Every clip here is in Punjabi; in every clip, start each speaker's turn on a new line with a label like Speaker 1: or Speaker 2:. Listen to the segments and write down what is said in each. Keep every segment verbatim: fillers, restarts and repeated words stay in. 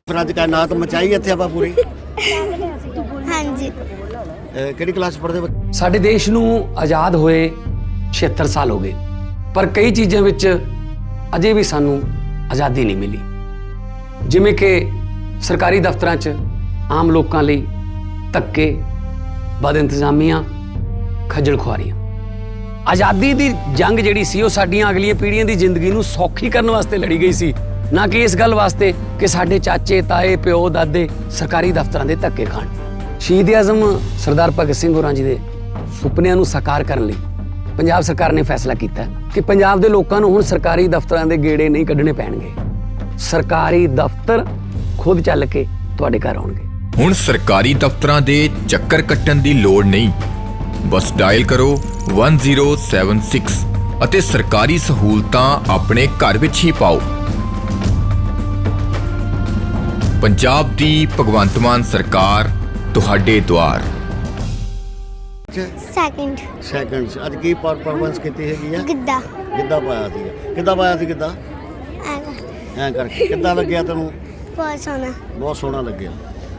Speaker 1: ਫਿਰ ਅੱਜ ਕਾਇਨਾਤ ਮਚਾਈ ਇੱਥੇ ਆਪਾਂ ਪੂਰੀ।
Speaker 2: ਹਾਂਜੀ।
Speaker 1: ਕਿਹੜੀ ਕਲਾਸ ਪੜ੍ਹਦੇ ਬੱਚੇ?
Speaker 3: ਸਾਡੇ ਦੇਸ਼ ਨੂੰ ਆਜ਼ਾਦ ਹੋਏ ਛਿਹੱਤਰ ਸਾਲ ਹੋ ਗਏ, ਪਰ ਕਈ ਚੀਜ਼ਾਂ ਵਿੱਚ ਅਜੇ ਵੀ ਸਾਨੂੰ ਆਜ਼ਾਦੀ ਨਹੀਂ ਮਿਲੀ। ਜਿਵੇਂ ਕਿ ਸਰਕਾਰੀ ਦਫ਼ਤਰਾਂ 'ਚ ਆਮ ਲੋਕਾਂ ਲਈ ਧੱਕੇ, ਬਦ ਇੰਤਜ਼ਾਮੀਆਂ, ਖੱਜਲ ਖੁਆਰੀਆਂ। ਆਜ਼ਾਦੀ ਦੀ ਜੰਗ ਜਿਹੜੀ ਸੀ ਉਹ ਸਾਡੀਆਂ ਅਗਲੀਆਂ ਪੀੜ੍ਹੀਆਂ ਦੀ ਜ਼ਿੰਦਗੀ ਨੂੰ ਸੌਖੀ ਕਰਨ ਵਾਸਤੇ ਲੜੀ ਗਈ ਸੀ, ਨਾ ਕਿ ਇਸ ਗੱਲ ਵਾਸਤੇ ਕਿ ਸਾਡੇ ਚਾਚੇ, ਤਾਏ, ਪਿਓ, ਦਾਦੇ ਸਰਕਾਰੀ ਦਫ਼ਤਰਾਂ ਦੇ ਧੱਕੇ ਖਾਣ। ਸ਼ਹੀਦ ਆਜ਼ਮ ਸਰਦਾਰ ਭਗਤ ਸਿੰਘ ਹੋਰਾਂ ਜੀ ਦੇ ਸੁਪਨਿਆਂ ਨੂੰ ਸਾਕਾਰ ਕਰਨ ਲਈ ਪੰਜਾਬ ਸਰਕਾਰ ਨੇ ਫੈਸਲਾ ਕੀਤਾ ਕਿ ਪੰਜਾਬ ਦੇ ਲੋਕਾਂ ਨੂੰ ਹੁਣ ਸਰਕਾਰੀ ਦਫ਼ਤਰਾਂ ਦੇ ਗੇੜੇ ਨਹੀਂ ਕੱਢਣੇ ਪੈਣਗੇ। ਸਰਕਾਰੀ ਦਫ਼ਤਰ ਖੁਦ ਚੱਲ ਕੇ ਤੁਹਾਡੇ ਘਰ ਆਉਣਗੇ।
Speaker 4: ਹੁਣ ਸਰਕਾਰੀ ਦਫ਼ਤਰਾਂ ਦੇ ਚੱਕਰ ਕੱਟਣ ਦੀ ਲੋੜ ਨਹੀਂ, ਬਸ ਡਾਇਲ ਕਰੋ ਇੱਕ ਜ਼ੀਰੋ ਸੱਤ ਛੇ ਅਤੇ ਸਰਕਾਰੀ ਸਹੂਲਤਾਂ ਆਪਣੇ ਘਰ ਵਿੱਚ ਹੀ ਪਾਓ। ਪੰਜਾਬ ਦੀ ਭਗਵੰਤ ਮਾਨ ਸਰਕਾਰ ਤੁਹਾਡੇ ਦੁਆਰ।
Speaker 2: ਸੈਕਿੰਡ
Speaker 1: ਸੈਕਿੰਡ ਅੱਜ ਕੀ ਪਰਫਾਰਮੈਂਸ ਕੀਤੀ ਹੈਗੀ ਆ?
Speaker 2: ਗਿੱਧਾ।
Speaker 1: ਗਿੱਧਾ ਪਾਇਆ ਸੀ। ਕਿੱਦਾਂ ਪਾਇਆ ਸੀ ਗਿੱਧਾ? ਐਂ ਕਰਕੇ ਕਿੱਦਾਂ ਲੱਗਿਆ ਤੈਨੂੰ?
Speaker 2: ਬਹੁਤ ਸੋਹਣਾ।
Speaker 1: ਬਹੁਤ ਸੋਹਣਾ ਲੱਗਿਆ।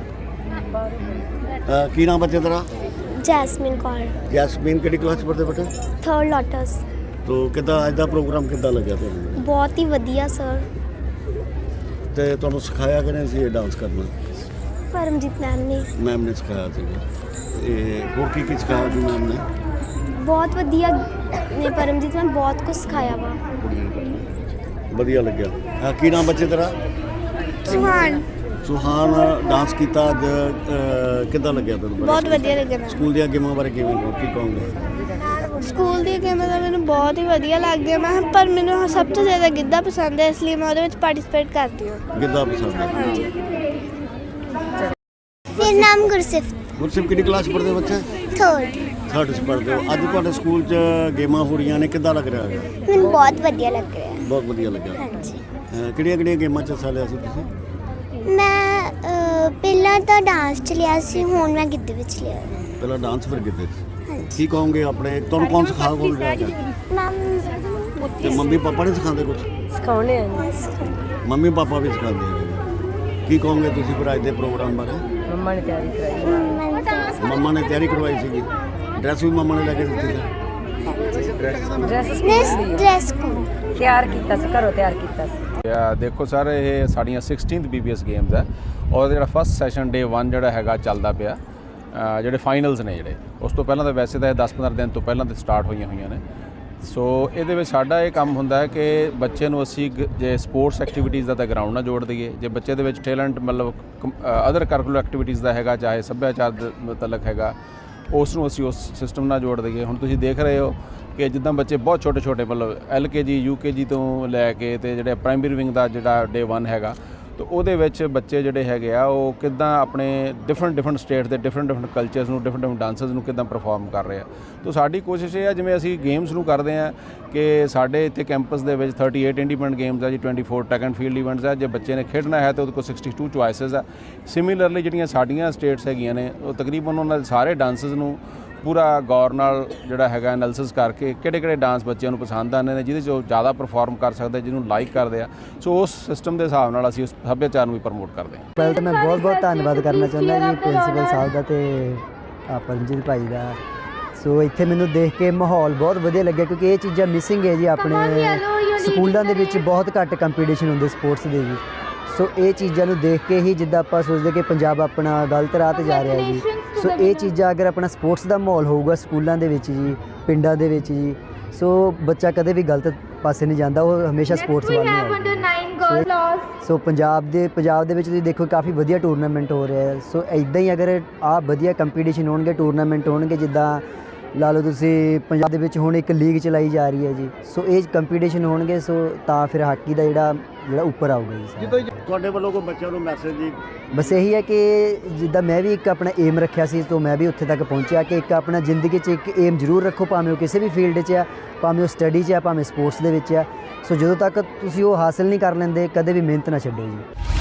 Speaker 1: ਕੀ ਨਾਮ ਬੱਚੇ ਤੇਰਾ?
Speaker 2: ਜੈਸਮੀਨ ਕੌਰ।
Speaker 1: ਜੈਸਮੀਨ ਕਿਹੜੀ ਕਲਾਸ ਪੜ੍ਹਦੇ ਬੇਟੇ?
Speaker 2: Third lotus.
Speaker 1: ਤੋ ਕਿੱਦਾਂ ਅੱਜ ਦਾ ਪ੍ਰੋਗਰਾਮ ਕਿੱਦਾਂ ਲੱਗਿਆ ਤੁਹਾਨੂੰ?
Speaker 2: ਬਹੁਤ ਹੀ ਵਧੀਆ ਸਰ।
Speaker 1: ਤੇ ਤੁਹਾਨੂੰ ਸਿਖਾਇਆ ਕਿਹਨੇ ਸੀ ਇਹ ਡਾਂਸ ਕਰਨਾ?
Speaker 2: ਪਰਮਜੀਤ ਮੈਮ ਨੇ।
Speaker 1: ਮੈਮ ਨੇ ਸਿਖਾਇਆ ਸੀਗਾ। ਤੇ ਹੋਰ ਕੀ ਕੀ ਸਿਖਾਇਆ ਸੀ ਮੈਮ ਨੇ?
Speaker 2: ਬਹੁਤ ਵਧੀਆ ਨੇ ਪਰਮਜੀਤ ਮੈਮ, ਬਹੁਤ ਕੁਝ ਸਿਖਾਇਆ ਵਾ।
Speaker 1: ਵਧੀਆ ਲੱਗਿਆ। ਕੀ ਨਾਮ ਬੱਚੇ ਤੇਰਾ?
Speaker 2: ਸੁਹਾਨ।
Speaker 1: ਸੁਹਾਨ ਡਾਂਸ ਕੀਤਾ ਅੱਜ, ਕਿੱਦਾਂ ਲੱਗਿਆ ਤੁਹਾਨੂੰ?
Speaker 2: ਬਹੁਤ ਵਧੀਆ ਲੱਗਿਆ ਮੈਨੂੰ।
Speaker 1: ਸਕੂਲ ਦੀਆਂ ਗੇਮਾਂ ਬਾਰੇ ਕਿਵੇਂ ਕੀ ਕਹੋਗੇ?
Speaker 2: ਸਕੂਲ ਦੀਆਂ ਗੇਮਾਂ ਤਾਂ ਮੈਨੂੰ ਬਹੁਤ ਹੀ ਵਧੀਆ ਲੱਗਦੀਆਂ ਮੈਂ, ਪਰ ਮੈਨੂੰ ਸਭ ਤੋਂ ਜ਼ਿਆਦਾ ਗਿੱਧਾ ਪਸੰਦ ਹੈ, ਇਸ ਲਈ ਮੈਂ ਉਹਦੇ ਵਿੱਚ ਪਾਰਟਿਸਿਪੇਟ ਕਰਦੀ ਹਾਂ।
Speaker 1: ਗਿੱਧਾ ਪਸੰਦ ਹੈ?
Speaker 2: ਹਾਂਜੀ। ਮੇਰਾ ਨਾਮ ਗੁਰਸਿਫਤ।
Speaker 1: ਗੁਰਸਿਫਤ ਕਿਹੜੀ ਕਲਾਸ ਪੜ੍ਹਦੇ ਬੱਚੇ?
Speaker 2: ਥਰਡ।
Speaker 1: ਥਰਡ 'ਚ ਪੜ੍ਹਦੇ ਹੋ। ਅੱਜ ਤੁਹਾਡੇ ਸਕੂਲ 'ਚ ਗੇਮਾਂ ਹੋ ਰਹੀਆਂ ਨੇ, ਕਿੱਦਾਂ ਲੱਗ ਰਿਹਾ ਹੈ?
Speaker 2: ਮੈਨੂੰ ਬਹੁਤ ਵਧੀਆ ਲੱਗ ਰਿਹਾ।
Speaker 1: ਬਹੁਤ ਵਧੀਆ ਲੱਗਿਆ।
Speaker 2: ਹਾਂਜੀ।
Speaker 1: ਕਿਹੜੀਆਂ ਕਿਹੜੀਆਂ ਗੇਮਾਂ 'ਚ ਹਿੱਸਾ ਲਿਆ ਸੀ ਤੁਸੀਂ?
Speaker 2: ਮੈਂ ਪਹਿਲਾਂ ਤਾਂ ਡਾਂਸ 'ਚ ਲਿਆ ਸੀ, ਹੁਣ ਮੈਂ ਗਿੱਧੇ ਵਿੱਚ ਲਿਆ।
Speaker 1: ਪਹਿਲਾਂ ਡਾਂਸ ਫਿਰ ਗਿੱਧੇ 'ਚ। ਕੀ ਕਹੋਗੇ ਆਪਣੇ ਤੁਹਾਨੂੰ ਕੌਣ ਸਿਖਾ ਕੌਣ ਰਿਹਾ ਹੈ? ਤੇ ਮੰਮੀ ਪਾਪਾ ਨਹੀਂ ਸਿਖਾਉਂਦੇ ਕੁਝ?
Speaker 5: ਸਿਖਾਉਣੇ ਆ।
Speaker 1: ਮੰਮੀ ਪਾਪਾ ਵੀ ਸਿਖਾਉਂਦੇ ਹੈਗੇ। ਕੀ ਕਹੋਗੇ ਤੁਸੀਂ ਫਿਰ ਅੱਜ ਦੇ ਪ੍ਰੋਗਰਾਮ ਬਾਰੇ?
Speaker 5: ਮੰਮਾ ਨੇ ਤਿਆਰੀ ਕਰਾਈ।
Speaker 1: ਮੰਮਾ ਨੇ ਤਿਆਰੀ ਕਰਵਾਈ ਸੀਗੀ। ਡਰੈਸ ਵੀ ਮੰਮਾ ਨੇ ਲੈ ਕੇ ਦਿੱਤੀ ਸੀ?
Speaker 5: ਡਰੈਸ
Speaker 2: ਡਰੈਸ
Speaker 5: ਤਿਆਰ ਕੀਤਾ ਸੀ, ਘਰੋਂ ਤਿਆਰ ਕੀਤਾ ਸੀ।
Speaker 6: ਦੇਖੋ ਸਰ, ਇਹ ਸਾਡੀਆਂ sixteenth B P S games ਹੈ ਔਰ ਜਿਹੜਾ ਫਸਟ ਸੈਸ਼ਨ ਡੇ ਵਨ ਜਿਹੜਾ ਹੈਗਾ ਚੱਲਦਾ ਪਿਆ। ਜਿਹੜੇ ਫਾਈਨਲਸ ਨੇ ਜਿਹੜੇ ਉਸ ਤੋਂ ਪਹਿਲਾਂ ਤਾਂ ਵੈਸੇ ਤਾਂ ਇਹ ਦਸ ਪੰਦਰਾਂ ਦਿਨ ਤੋਂ ਪਹਿਲਾਂ ਤੇ ਸਟਾਰਟ ਹੋਈਆਂ ਹੋਈਆਂ ਨੇ। ਸੋ ਇਹਦੇ ਵਿੱਚ ਸਾਡਾ ਇਹ ਕੰਮ ਹੁੰਦਾ ਹੈ ਕਿ ਬੱਚੇ ਨੂੰ ਅਸੀਂ ਜੇ ਸਪੋਰਟਸ ਐਕਟੀਵਿਟੀਜ਼ ਦਾ ਤਾਂ ਗਰਾਊਂਡ ਨਾਲ ਜੋੜ ਦਈਏ, ਜੇ ਬੱਚੇ ਦੇ ਵਿੱਚ ਟੈਲੈਂਟ ਮਤਲਬ ਅਦਰ ਕਰਿਕੂਲਰ ਐਕਟੀਵਿਟੀਜ਼ ਦਾ ਹੈਗਾ, ਚਾਹੇ ਸੱਭਿਆਚਾਰ ਦੇ ਮੁਤਲਕ ਹੈਗਾ, ਉਸ ਨੂੰ ਅਸੀਂ ਉਸ ਸਿਸਟਮ ਨਾਲ ਜੋੜ ਦਈਏ। ਹੁਣ ਤੁਸੀਂ ਦੇਖ ਰਹੇ ਹੋ ਕਿ ਜਿੱਦਾਂ ਬੱਚੇ ਬਹੁਤ ਛੋਟੇ ਛੋਟੇ ਮਤਲਬ ਐਲ ਕੇ ਜੀ ਯੂ ਕੇ ਜੀ ਤੋਂ ਲੈ ਕੇ ਤੇ ਜਿਹੜੇ ਪ੍ਰਾਇਮਰੀ ਵਿੰਗ ਦਾ ਜਿਹੜਾ ਡੇ ਵਨ ਹੈਗਾ, ਤਾਂ ਉਹਦੇ ਵਿੱਚ ਬੱਚੇ ਜਿਹੜੇ ਹੈਗੇ ਆ ਉਹ ਕਿੱਦਾਂ ਆਪਣੇ ਡਿਫਰੈਂਟ ਡਿਫਰੈਂਟ ਸਟੇਟ ਦੇ ਡਿਫਰੈਂਟ ਡਿਫਰੈਂਟ ਕਲਚਰਸ ਨੂੰ, ਡਿਫਰੈਂਟ ਡਿਫਰੈਂਟ ਡਾਂਸਰਸ ਨੂੰ ਕਿੱਦਾਂ ਪਰਫਾਰਮ ਕਰ ਰਹੇ ਆ। ਤਾਂ ਸਾਡੀ ਕੋਸ਼ਿਸ਼ ਇਹ ਹੈ, ਜਿਵੇਂ ਅਸੀਂ ਗੇਮਸ ਨੂੰ ਕਰਦੇ ਹਾਂ ਕਿ ਸਾਡੇ ਇੱਥੇ ਕੈਂਪਸ ਦੇ ਵਿੱਚ ਥਰਟੀ ਏਟ ਇੰਡੀਪੈਂਡੈਂਟ ਗੇਮਸ ਆ ਜੀ, twenty four track and field events ਆ। ਜੇ ਬੱਚੇ ਨੇ ਖੇਡਣਾ ਹੈ ਤਾਂ ਉਹਦੇ ਕੋਲ ਸਿਕਸਟੀ ਟੂ ਚੁਆਇਸਿਸ ਆ। ਸਿਮਿਲਰਲੀ ਜਿਹੜੀਆਂ ਸਾਡੀਆਂ ਸਟੇਟਸ ਹੈਗੀਆਂ ਨੇ ਉਹ ਤਕਰੀਬਨ ਉਹਨਾਂ ਦੇ ਸਾਰੇ ਡਾਂਸਰਸ ਨੂੰ ਪੂਰਾ ਗੌਰ ਨਾਲ ਜਿਹੜਾ ਹੈਗਾ ਐਨਾਲਿਸਿਸ ਕਰਕੇ ਕਿਹੜੇ ਕਿਹੜੇ ਡਾਂਸ ਬੱਚਿਆਂ ਨੂੰ ਪਸੰਦ ਆਉਂਦੇ ਨੇ, ਜਿਹਦੇ 'ਚ ਉਹ ਜ਼ਿਆਦਾ ਪਰਫਾਰਮ ਕਰ ਸਕਦੇ, ਜਿਹਨੂੰ ਲਾਈਕ ਕਰਦੇ ਆ। ਸੋ ਉਸ ਸਿਸਟਮ ਦੇ ਹਿਸਾਬ ਨਾਲ ਅਸੀਂ ਉਸ ਸੱਭਿਆਚਾਰ ਨੂੰ ਵੀ ਪ੍ਰਮੋਟ ਕਰਦੇ ਹਾਂ।
Speaker 7: ਪਹਿਲਾਂ ਤਾਂ ਮੈਂ ਬਹੁਤ ਬਹੁਤ ਧੰਨਵਾਦ ਕਰਨਾ ਚਾਹੁੰਦਾ ਜੀ ਪ੍ਰਿੰਸੀਪਲ ਸਾਹਿਬ ਦਾ ਤੇ ਪਰਮਜੀਤ ਭਾਈ ਦਾ। ਸੋ ਇੱਥੇ ਮੈਨੂੰ ਦੇਖ ਕੇ ਮਾਹੌਲ ਬਹੁਤ ਵਧੀਆ ਲੱਗਿਆ, ਕਿਉਂਕਿ ਇਹ ਚੀਜ਼ਾਂ ਮਿਸਿੰਗ ਹੈ ਜੀ। ਆਪਣੇ ਸਕੂਲਾਂ ਦੇ ਵਿੱਚ ਬਹੁਤ ਘੱਟ ਕੰਪੀਟੀਸ਼ਨ ਹੁੰਦੇ ਸਪੋਰਟਸ ਦੇ ਜੀ। ਸੋ ਇਹ ਚੀਜ਼ਾਂ ਨੂੰ ਦੇਖ ਕੇ ਹੀ ਜਿੱਦਾਂ ਆਪਾਂ ਸੋਚਦੇ ਕਿ ਪੰਜਾਬ ਆਪਣਾ ਗਲਤ ਰਾਹ 'ਤੇ ਜਾ ਰਿਹਾ ਜੀ। ਸੋ ਇਹ ਚੀਜ਼ਾਂ ਅਗਰ ਆਪਣਾ ਸਪੋਰਟਸ ਦਾ ਮਾਹੌਲ ਹੋਊਗਾ ਸਕੂਲਾਂ ਦੇ ਵਿੱਚ ਜੀ, ਪਿੰਡਾਂ ਦੇ ਵਿੱਚ ਜੀ, ਸੋ ਬੱਚਾ ਕਦੇ ਵੀ ਗਲਤ ਪਾਸੇ ਨਹੀਂ ਜਾਂਦਾ, ਉਹ ਹਮੇਸ਼ਾ ਸਪੋਰਟਸ ਵੱਲ ਨੂੰ ਆਏਗਾ। ਸੋ ਪੰਜਾਬ ਦੇ ਪੰਜਾਬ ਦੇ ਵਿੱਚ ਤੁਸੀਂ ਦੇਖੋ ਕਾਫੀ ਵਧੀਆ ਟੂਰਨਾਮੈਂਟ ਹੋ ਰਿਹਾ ਹੈ। ਸੋ ਇੱਦਾਂ ਹੀ ਅਗਰ ਆਹ ਵਧੀਆ ਕੰਪੀਟੀਸ਼ਨ ਹੋਣਗੇ, ਟੂਰਨਾਮੈਂਟ ਹੋਣਗੇ, ਜਿੱਦਾਂ ਲਾ ਲਓ ਤੁਸੀਂ ਪੰਜਾਬ ਦੇ ਵਿੱਚ ਹੁਣ ਇੱਕ ਲੀਗ ਚਲਾਈ ਜਾ ਰਹੀ ਹੈ ਜੀ। ਸੋ ਇਹ ਕੰਪੀਟੀਸ਼ਨ ਹੋਣਗੇ, ਸੋ ਤਾਂ ਫਿਰ ਹਾਕੀ ਦਾ ਜਿਹੜਾ ਜਿਹੜਾ ਉੱਪਰ ਆਊਗਾ ਜੀ।
Speaker 1: ਤੁਹਾਡੇ ਵੱਲੋਂ ਕੋਈ ਬੱਚਿਆਂ ਨੂੰ ਮੈਸੇਜ ਜੀ?
Speaker 7: ਬਸ ਇਹੀ ਹੈ ਕਿ ਜਿੱਦਾਂ ਮੈਂ ਵੀ ਇੱਕ ਆਪਣਾ ਏਮ ਰੱਖਿਆ ਸੀ, ਤੋਂ ਮੈਂ ਵੀ ਉੱਥੇ ਤੱਕ ਪਹੁੰਚਿਆ ਕਿ ਇੱਕ ਆਪਣਾ ਜ਼ਿੰਦਗੀ 'ਚ ਇੱਕ ਏਮ ਜ਼ਰੂਰ ਰੱਖੋ, ਭਾਵੇਂ ਉਹ ਕਿਸੇ ਵੀ ਫੀਲਡ 'ਚ ਆ, ਭਾਵੇਂ ਉਹ ਸਟੱਡੀ 'ਚ ਆ, ਭਾਵੇਂ ਸਪੋਰਟਸ ਦੇ ਵਿੱਚ ਆ। ਸੋ ਜਦੋਂ ਤੱਕ ਤੁਸੀਂ ਉਹ ਹਾਸਿਲ ਨਹੀਂ ਕਰ ਲੈਂਦੇ, ਕਦੇ ਵੀ ਮਿਹਨਤ ਨਾ ਛੱਡੋ ਜੀ।